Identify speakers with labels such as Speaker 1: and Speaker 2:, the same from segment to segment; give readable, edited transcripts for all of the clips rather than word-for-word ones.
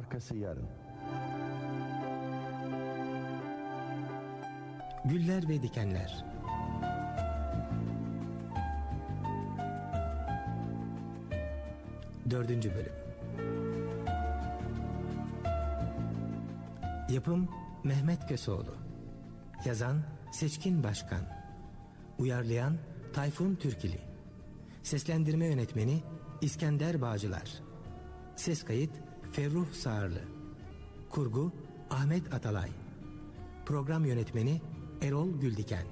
Speaker 1: arkası yarın.
Speaker 2: Güller ve Dikenler. Dördüncü bölüm. Yapım Mehmet Köseoğlu. Yazan Seçkin Başkan. Uyarlayan Tayfun Türkili. Seslendirme yönetmeni İskender Bağcılar. Ses kayıt Ferruh Sağırlı. Kurgu Ahmet Atalay. Program yönetmeni Erol Güldiken.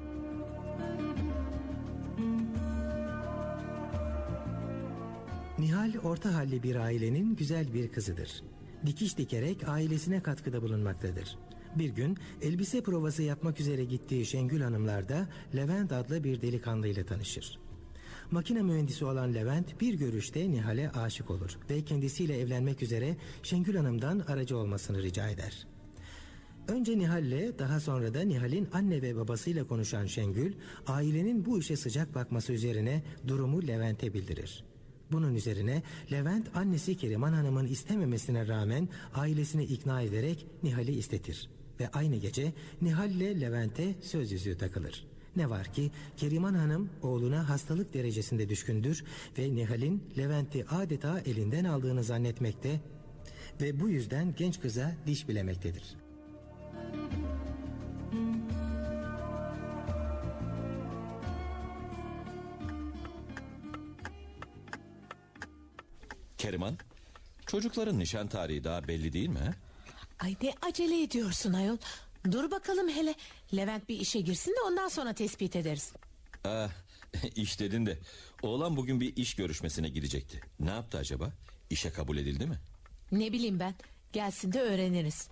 Speaker 2: Nihal orta halli bir ailenin güzel bir kızıdır. Dikiş dikerek ailesine katkıda bulunmaktadır. Bir gün elbise provası yapmak üzere gittiği Şengül Hanımlar'da Levent adlı bir delikanlıyla tanışır. Makine mühendisi olan Levent bir görüşte Nihal'e aşık olur ve kendisiyle evlenmek üzere Şengül Hanım'dan aracı olmasını rica eder. Önce Nihal'le daha sonra da Nihal'in anne ve babasıyla konuşan Şengül, ailenin bu işe sıcak bakması üzerine durumu Levent'e bildirir. Bunun üzerine Levent annesi Keriman Hanım'ın istememesine rağmen ailesini ikna ederek Nihal'i istetir. Ve aynı gece Nihal ile Levent'e söz yüzüğü takılır. Ne var ki Keriman Hanım oğluna hastalık derecesinde düşkündür ve Nihal'in Levent'i adeta elinden aldığını zannetmekte ve bu yüzden genç kıza diş bilemektedir.
Speaker 3: Keriman, çocukların nişan tarihi daha belli değil mi?
Speaker 4: Ay ne acele ediyorsun ayol. Dur bakalım hele. Levent bir işe girsin de ondan sonra tespit ederiz.
Speaker 3: İş dedin de oğlan bugün bir iş görüşmesine gidecekti. Ne yaptı acaba? İşe kabul edildi mi?
Speaker 4: Ne bileyim ben. Gelsin de öğreniriz.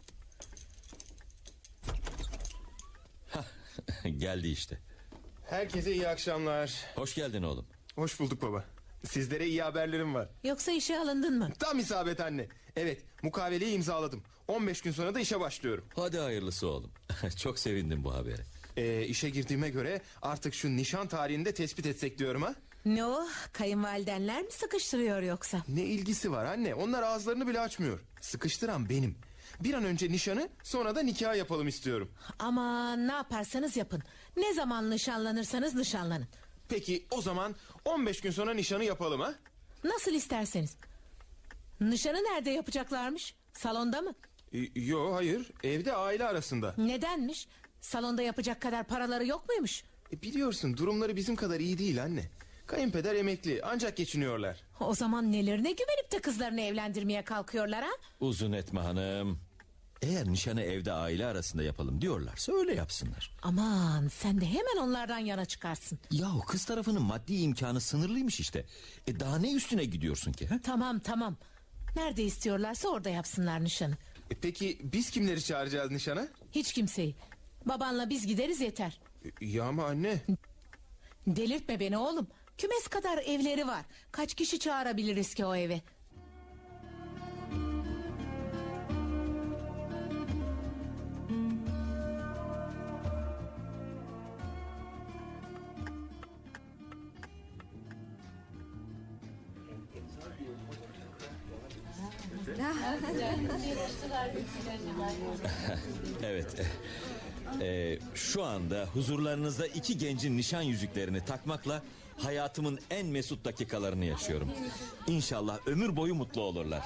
Speaker 3: Geldi işte.
Speaker 5: Herkese iyi akşamlar.
Speaker 3: Hoş geldin oğlum.
Speaker 5: Hoş bulduk baba. Sizlere iyi haberlerim var.
Speaker 4: Yoksa işe alındın mı?
Speaker 5: Tam isabet anne. Evet, mukaveleyi imzaladım. 15 gün sonra da işe başlıyorum.
Speaker 3: Hadi hayırlısı oğlum. Çok sevindim bu habere.
Speaker 5: İşe girdiğime göre artık şu nişan tarihini de tespit etsek diyorum ha.
Speaker 4: Ne o? Kayınvalidenler mi sıkıştırıyor yoksa?
Speaker 5: Ne ilgisi var anne? Onlar ağızlarını bile açmıyor. Sıkıştıran benim. Bir an önce nişanı, sonra da nikah yapalım istiyorum.
Speaker 4: Aman ne yaparsanız yapın. Ne zaman nişanlanırsanız nişanlanın.
Speaker 5: Peki o zaman 15 gün sonra nişanı yapalım ha.
Speaker 4: Nasıl isterseniz. Nişanı nerede yapacaklarmış? Salonda mı?
Speaker 5: Yo hayır, evde aile arasında.
Speaker 4: Nedenmiş? Salonda yapacak kadar paraları yok muymuş?
Speaker 5: Biliyorsun durumları bizim kadar iyi değil anne. Kayınpeder emekli, ancak geçiniyorlar.
Speaker 4: O zaman nelerine güvenip de kızlarını evlendirmeye kalkıyorlar ha?
Speaker 3: Uzun etme hanım. Eğer nişanı evde aile arasında yapalım diyorlarsa öyle yapsınlar.
Speaker 4: Aman sen de hemen onlardan yana çıkarsın.
Speaker 3: Yahu kız tarafının maddi imkanı sınırlıymış işte. Daha ne üstüne gidiyorsun ki? He?
Speaker 4: Tamam. Nerede istiyorlarsa orada yapsınlar nişanı.
Speaker 5: Peki biz kimleri çağıracağız nişana?
Speaker 4: Hiç kimseyi. Babanla biz gideriz yeter.
Speaker 5: Ya ama anne.
Speaker 4: Delirtme beni oğlum. Kümes kadar evleri var. Kaç kişi çağırabiliriz ki o eve?
Speaker 3: Evet. Şu anda huzurlarınızda iki gencin nişan yüzüklerini takmakla hayatımın en mesut dakikalarını yaşıyorum. İnşallah ömür boyu mutlu olurlar.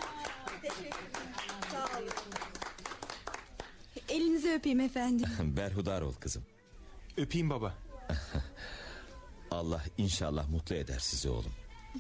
Speaker 6: Elinizi öpeyim efendim.
Speaker 3: Berhudar ol kızım.
Speaker 5: Öpeyim baba.
Speaker 3: Allah inşallah mutlu eder sizi oğlum.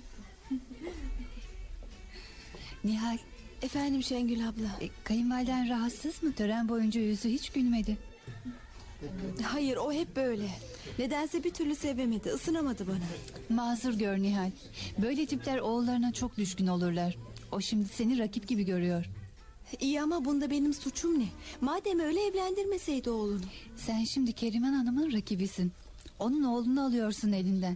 Speaker 7: Nihal,
Speaker 6: Efendim Şengül abla.
Speaker 7: kayınvaliden rahatsız mı? Tören boyunca yüzü hiç gülmedi.
Speaker 6: Hayır, o hep böyle. Nedense bir türlü sevemedi, ısınamadı bana.
Speaker 7: Mazur gör Nihal. Böyle tipler oğullarına çok düşkün olurlar. O şimdi seni rakip gibi görüyor.
Speaker 6: İyi ama bunda benim suçum ne? Madem öyle evlendirmeseydi oğlunu.
Speaker 7: Sen şimdi Keriman Hanım'ın rakibisin. Onun oğlunu alıyorsun elinden.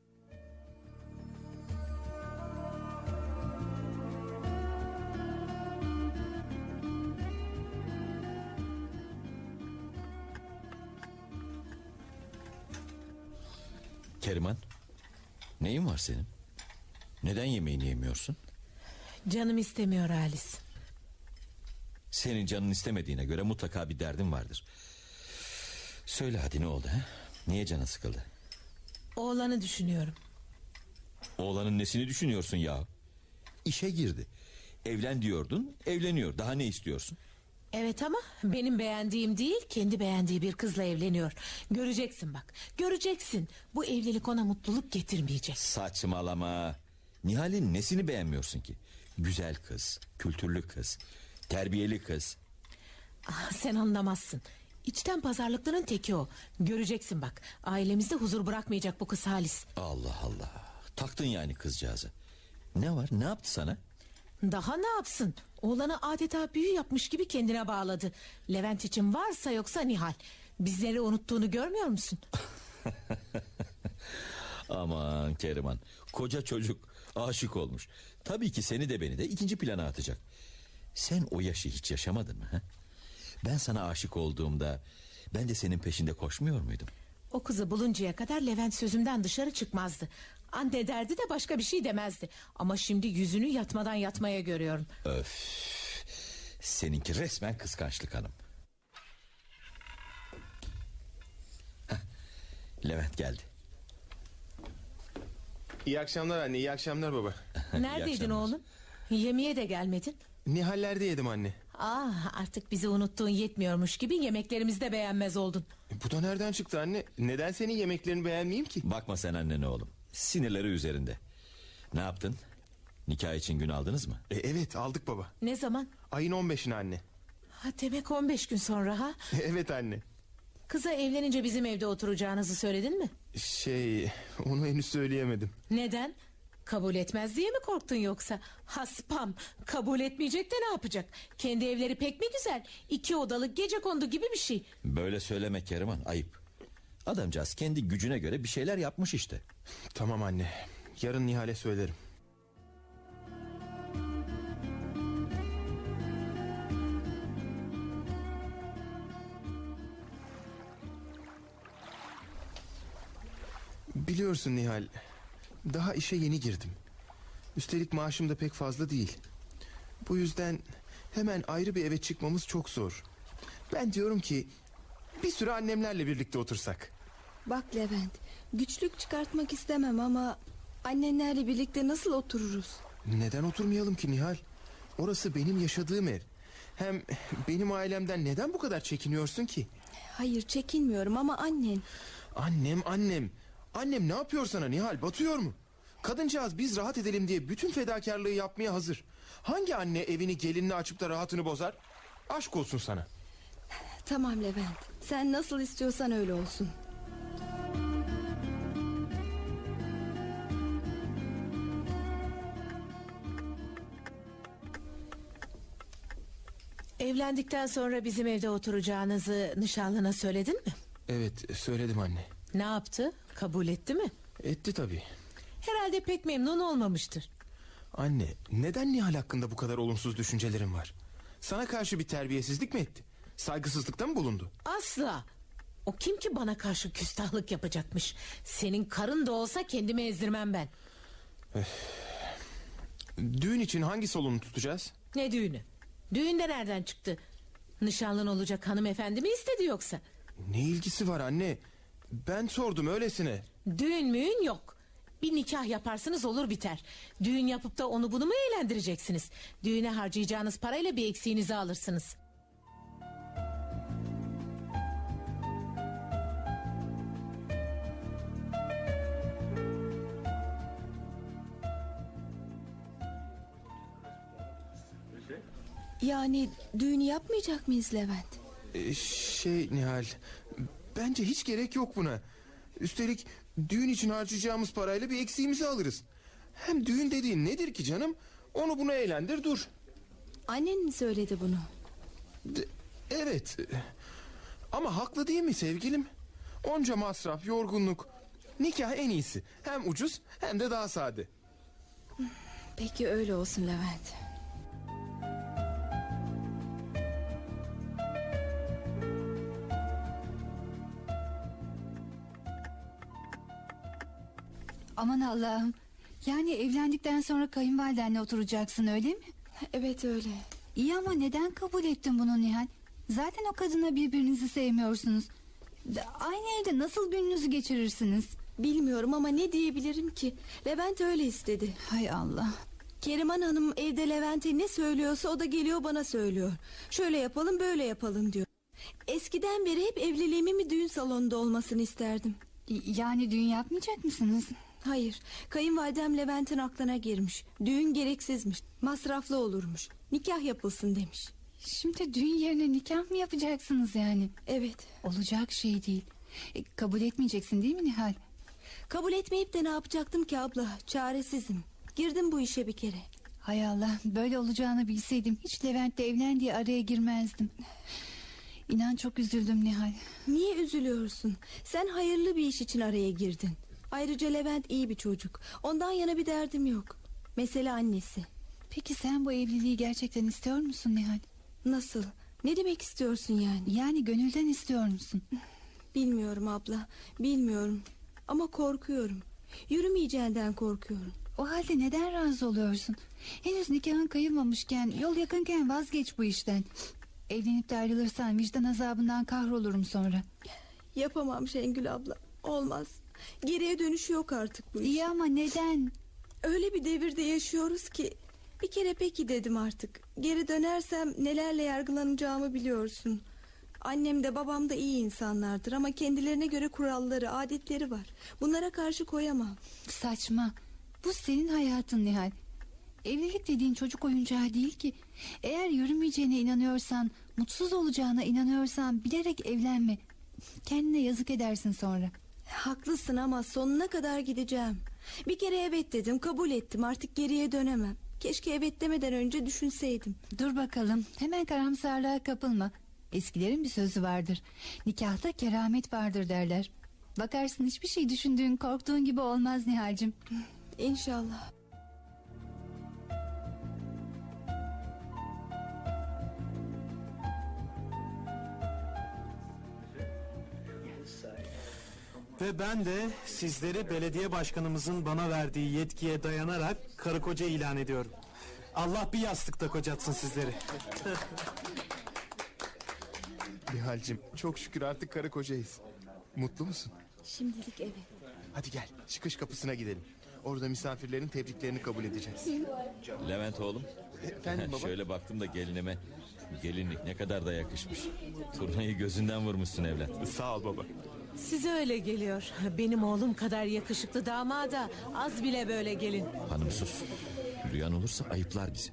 Speaker 3: Keriman, neyin var senin? Neden yemeğini yemiyorsun?
Speaker 4: Canım istemiyor Halis.
Speaker 3: Senin canın istemediğine göre mutlaka bir derdin vardır. Söyle hadi, ne oldu ha? Niye canın sıkıldı?
Speaker 4: Oğlanı düşünüyorum.
Speaker 3: Oğlanın nesini düşünüyorsun ya? İşe girdi. Evlen diyordun, evleniyor. Daha ne istiyorsun?
Speaker 4: Evet ama benim beğendiğim değil, kendi beğendiği bir kızla evleniyor. Göreceksin bak, göreceksin. Bu evlilik ona mutluluk getirmeyecek.
Speaker 3: Saçmalama. Nihal'in nesini beğenmiyorsun ki? Güzel kız, kültürlü kız, terbiyeli kız.
Speaker 4: Ah, sen anlamazsın. İçten pazarlıkların teki o. Göreceksin bak, ailemizde huzur bırakmayacak bu kız Halis.
Speaker 3: Allah Allah. Taktın yani kızcağızı. Ne var, ne yaptı sana?
Speaker 4: Daha ne yapsın? Oğlanı adeta büyü yapmış gibi kendine bağladı. Levent için varsa yoksa Nihal. Bizleri unuttuğunu görmüyor musun?
Speaker 3: Aman Keriman, koca çocuk aşık olmuş. Tabii ki seni de beni de ikinci plana atacak. Sen o yaşı hiç yaşamadın mı? He? Ben sana aşık olduğumda ben de senin peşinde koşmuyor muydum?
Speaker 4: O kızı buluncaya kadar Levent sözümden dışarı çıkmazdı. Anne derdi de başka bir şey demezdi. Ama şimdi yüzünü yatmadan yatmaya görüyorum.
Speaker 3: Öf. Seninki resmen kıskançlık hanım. Heh, Levent geldi.
Speaker 5: İyi akşamlar anne, iyi akşamlar baba.
Speaker 4: Neredeydin
Speaker 3: akşamlar.
Speaker 4: oğlum? Yemeğe de gelmedin.
Speaker 5: Nihal'lerde yedim anne.
Speaker 4: Artık bizi unuttuğun yetmiyormuş gibi yemeklerimizi de beğenmez oldun.
Speaker 5: Bu da nereden çıktı anne? Neden senin yemeklerini beğenmeyeyim ki?
Speaker 3: Bakma sen annene oğlum. Sinirleri üzerinde. Ne yaptın? Nikah için gün aldınız mı?
Speaker 5: Evet, aldık baba.
Speaker 4: Ne zaman?
Speaker 5: Ayın 15'ine anne.
Speaker 4: Demek 15 gün sonra ha?
Speaker 5: Evet anne.
Speaker 4: Kıza evlenince bizim evde oturacağınızı söyledin mi?
Speaker 5: Onu henüz söyleyemedim.
Speaker 4: Neden? Kabul etmez diye mi korktun yoksa? Haspam, kabul etmeyecek de ne yapacak? Kendi evleri pek mi güzel? 2 odalı gecekondu gibi bir şey.
Speaker 3: Böyle söyleme Keriman, ayıp. Adamcağız kendi gücüne göre bir şeyler yapmış işte.
Speaker 5: Tamam anne. Yarın Nihal'e söylerim. Biliyorsun Nihal, daha işe yeni girdim. Üstelik maaşım da pek fazla değil. Bu yüzden hemen ayrı bir eve çıkmamız çok zor. Ben diyorum ki bir süre annemlerle birlikte otursak.
Speaker 6: Bak Levent, güçlük çıkartmak istemem ama annenlerle birlikte nasıl otururuz?
Speaker 5: Neden oturmayalım ki Nihal? Orası benim yaşadığım ev. Hem benim ailemden neden bu kadar çekiniyorsun ki?
Speaker 6: Hayır, çekinmiyorum ama annen.
Speaker 5: Annem. Annem ne yapıyor sana Nihal, batıyor mu? Kadıncağız biz rahat edelim diye bütün fedakarlığı yapmaya hazır. Hangi anne evini gelinini açıp da rahatını bozar? Aşk olsun sana.
Speaker 6: Tamam Levent, sen nasıl istiyorsan öyle olsun.
Speaker 4: Evlendikten sonra bizim evde oturacağınızı nişanlına söyledin mi?
Speaker 5: Evet, söyledim anne.
Speaker 4: Ne yaptı? Kabul etti mi?
Speaker 5: Etti tabii.
Speaker 4: Herhalde pek memnun olmamıştır.
Speaker 5: Anne, neden Nihal hakkında bu kadar olumsuz düşüncelerin var? Sana karşı bir terbiyesizlik mi etti? Saygısızlıkta mı bulundu?
Speaker 4: Asla. O kim ki bana karşı küstahlık yapacakmış? Senin karın da olsa kendimi ezdirmem ben.
Speaker 5: Düğün için hangi salonu tutacağız?
Speaker 4: Ne düğünü? Düğün de nereden çıktı? Nişanlın olacak hanımefendi mi istedi yoksa?
Speaker 5: Ne ilgisi var anne? Ben sordum öylesine.
Speaker 4: Düğün müğün yok. Bir nikah yaparsınız olur biter. Düğün yapıp da onu bunu mu eğlendireceksiniz? Düğüne harcayacağınız parayla bir eksiğinizi alırsınız.
Speaker 6: Yani düğünü yapmayacak mıyız Levent?
Speaker 5: Nihal, bence hiç gerek yok buna. Üstelik düğün için harcayacağımız parayla bir eksiğimizi alırız. Hem düğün dediğin nedir ki canım? Onu bunu eğlendir dur.
Speaker 6: Annen mi söyledi bunu?
Speaker 5: Evet. Ama haklı değil mi sevgilim? Onca masraf, yorgunluk. Nikah en iyisi. Hem ucuz hem de daha sade.
Speaker 6: Peki öyle olsun Levent.
Speaker 7: Aman Allah'ım. Yani evlendikten sonra kayınvalidenle oturacaksın öyle mi?
Speaker 6: Evet öyle.
Speaker 7: İyi ama neden kabul ettin bunu Nihal? Zaten o kadına birbirinizi sevmiyorsunuz. Aynı evde nasıl gününüzü geçirirsiniz?
Speaker 6: Bilmiyorum ama ne diyebilirim ki? Levent öyle istedi.
Speaker 7: Hay Allah.
Speaker 6: Keriman Hanım evde Levent'e ne söylüyorsa o da geliyor bana söylüyor. Şöyle yapalım böyle yapalım diyor. Eskiden beri hep evliliğimin bir düğün salonunda olmasını isterdim.
Speaker 7: Yani düğün yapmayacak mısınız?
Speaker 6: Hayır, kayınvalidem Levent'in aklına girmiş. Düğün gereksizmiş, masraflı olurmuş. Nikah yapılsın demiş.
Speaker 7: Şimdi düğün yerine nikah mı yapacaksınız yani?
Speaker 6: Evet,
Speaker 7: Olacak şey değil. Kabul etmeyeceksin değil mi Nihal?
Speaker 6: kabul etmeyip de ne yapacaktım ki abla? Çaresizim. Girdim bu işe bir kere.
Speaker 7: Hay Allah, böyle olacağını bilseydim hiç Levent'le evlen diye araya girmezdim. İnan çok üzüldüm Nihal.
Speaker 6: Niye üzülüyorsun? Sen hayırlı bir iş için araya girdin. Ayrıca Levent iyi bir çocuk. Ondan yana bir derdim yok. Mesele annesi.
Speaker 7: Peki sen bu evliliği gerçekten istiyor musun Nihal?
Speaker 6: Nasıl? Ne demek istiyorsun yani?
Speaker 7: Yani gönülden istiyor musun?
Speaker 6: Bilmiyorum abla, bilmiyorum. Ama korkuyorum. Yürümeyeceğinden korkuyorum.
Speaker 7: O halde neden razı oluyorsun? Henüz nikahın kıyılmamışken, yol yakınken vazgeç bu işten. Evlenip de ayrılırsan vicdan azabından kahrolurum sonra.
Speaker 6: Yapamam Şengül abla. Olmaz. Geriye dönüşü yok artık bu iş.
Speaker 7: İyi ama neden?
Speaker 6: Öyle bir devirde yaşıyoruz ki bir kere peki dedim artık. Geri dönersem nelerle yargılanacağımı biliyorsun. Annem de babam da iyi insanlardır ama kendilerine göre kuralları, adetleri var. Bunlara karşı koyamam.
Speaker 7: Saçma. Bu senin hayatın Nihal. Evlilik dediğin çocuk oyuncağı değil ki. Eğer yürümeyeceğine inanıyorsan, mutsuz olacağına inanıyorsan bilerek evlenme. Kendine yazık edersin sonra.
Speaker 6: Haklısın ama sonuna kadar gideceğim. Bir kere evet dedim, kabul ettim, artık geriye dönemem. Keşke evet demeden önce düşünseydim.
Speaker 7: Dur bakalım, hemen karamsarlığa kapılma. Eskilerin bir sözü vardır. Nikahta keramet vardır derler. Bakarsın hiçbir şey düşündüğün, korktuğun gibi olmaz Nihal'cim.
Speaker 6: İnşallah.
Speaker 1: Ve ben de sizleri belediye başkanımızın bana verdiği yetkiye dayanarak karı koca ilan ediyorum. Allah bir yastıkta kocatsın sizleri.
Speaker 5: Nihal'cim çok şükür artık karı kocayız. Mutlu musun?
Speaker 6: Şimdilik evet.
Speaker 5: Hadi gel çıkış kapısına gidelim. Orada misafirlerin tebriklerini kabul edeceğiz.
Speaker 3: Levent oğlum.
Speaker 5: Efendim baba?
Speaker 3: Şöyle baktım da gelinime. Gelinlik ne kadar da yakışmış. Turnayı gözünden vurmuşsun evlat.
Speaker 5: Sağ ol baba.
Speaker 4: Size öyle geliyor. Benim oğlum kadar yakışıklı damada az bile böyle gelin.
Speaker 3: Hanım sus. Duyan olursa ayıplar bizi.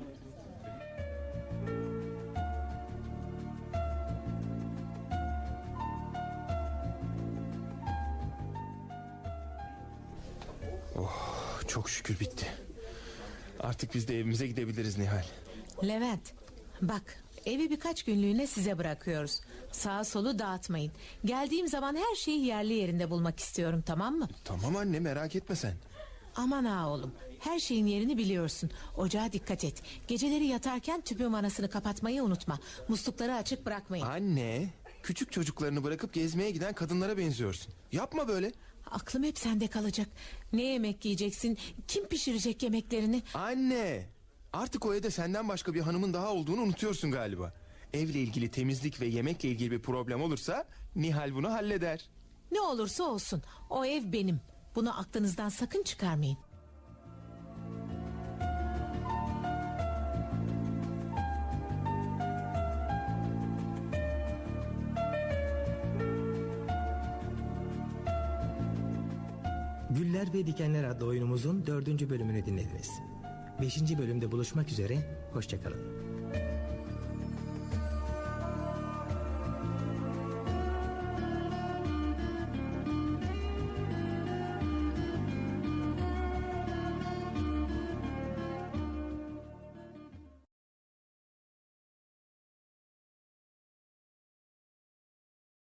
Speaker 5: Çok şükür bitti. Artık biz de evimize gidebiliriz Nihal.
Speaker 4: Levent, bak evi birkaç günlüğüne size bırakıyoruz. Sağa solu dağıtmayın. Geldiğim zaman her şeyi yerli yerinde bulmak istiyorum, tamam mı?
Speaker 5: Tamam anne merak etme sen.
Speaker 4: Aman ha oğlum, her şeyin yerini biliyorsun. Ocağa dikkat et. Geceleri yatarken tüpün vanasını kapatmayı unutma. Muslukları açık bırakmayın.
Speaker 5: Anne küçük çocuklarını bırakıp gezmeye giden kadınlara benziyorsun. Yapma böyle.
Speaker 4: Aklım hep sende kalacak. Ne yemek yiyeceksin? Kim pişirecek yemeklerini?
Speaker 5: Anne artık o evde senden başka bir hanımın daha olduğunu unutuyorsun galiba. Evle ilgili temizlik ve yemekle ilgili bir problem olursa Nihal bunu halleder.
Speaker 4: Ne olursa olsun, o ev benim. Bunu aklınızdan sakın çıkarmayın.
Speaker 2: Güller ve Dikenler adlı oyunumuzun 4. bölümünü dinlediniz. 5. bölümde buluşmak üzere, hoşçakalın.